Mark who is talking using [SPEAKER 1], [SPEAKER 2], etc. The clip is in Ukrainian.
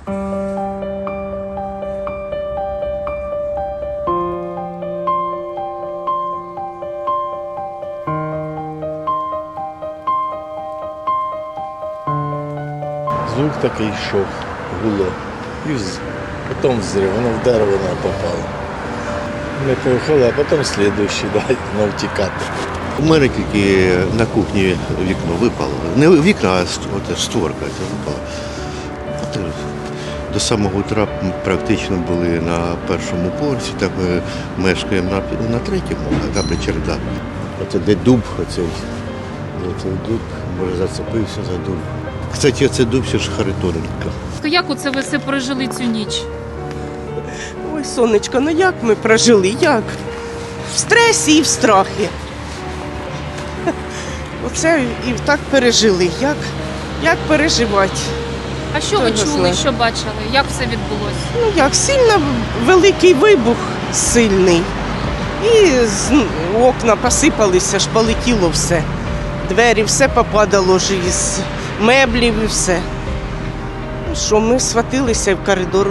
[SPEAKER 1] Звук такий йшов, гуло. І потім взрив, воно в дерево не попало. Ми поїхали, а потім слідуючий, воно втікати.
[SPEAKER 2] У мене тільки на кухні вікно випало. Не вікна, а створка ця випала. А то до самого утра практично були на першому поверсі, так ми мешкаємо на третьому, а там черда.
[SPEAKER 1] Оце де дуб, оцей дуб, може зацепився за дуб.
[SPEAKER 2] Кстати, це дуб ще ж Харитоненко.
[SPEAKER 3] Як оце ви все пережили цю ніч?
[SPEAKER 4] Ой, сонечко, ну як ми прожили? Як? В стресі і в страхі. Оце і так пережили. Як переживати?
[SPEAKER 3] А що ви
[SPEAKER 4] Хто його
[SPEAKER 3] чули,
[SPEAKER 4] знає?
[SPEAKER 3] що бачили? Як все відбулося?
[SPEAKER 4] Ну як, сильно великий вибух сильний. І окна посипалися, ж полетіло все. Двері, все попадало ж із меблів і все. Ну що, ми схватилися в коридор.